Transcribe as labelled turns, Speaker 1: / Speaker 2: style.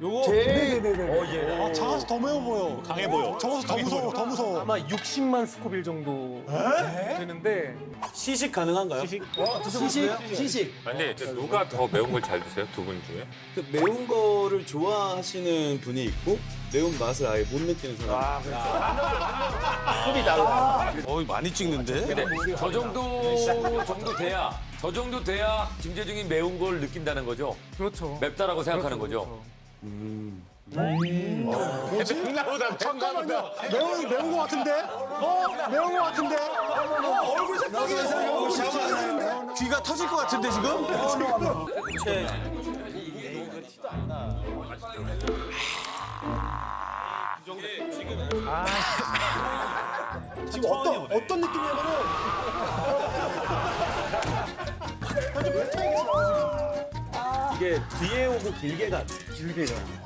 Speaker 1: 네네네.
Speaker 2: 작아서 더 매워 보여.
Speaker 3: 강해 보여.
Speaker 2: 적어서 더 무서워, 더 무서워.
Speaker 1: 아마 60만 스코빌 정도 되는데
Speaker 4: 시식 가능한가요?
Speaker 5: 시식.
Speaker 6: 근데 누가 더 매운 걸 잘 드세요? 두 분 중에?
Speaker 4: 그 매운 거를 좋아하시는 분이 있고 매운 맛을 아예 못 느끼는 사람.
Speaker 3: 많이 찍는데?
Speaker 5: 저 정도 돼야 김재중이 매운 걸 느낀다는 거죠.
Speaker 1: 그렇죠.
Speaker 5: 맵다라고 생각하는 거죠.
Speaker 2: 잠깐만요. 매운 거 같은데? 매운 거 같은데? 얼굴 색깔이
Speaker 3: 귀가 터질 것 같은데 지금?
Speaker 2: 지금 어떤 느낌이냐면은
Speaker 4: 이게 뒤에 오고 길게 가.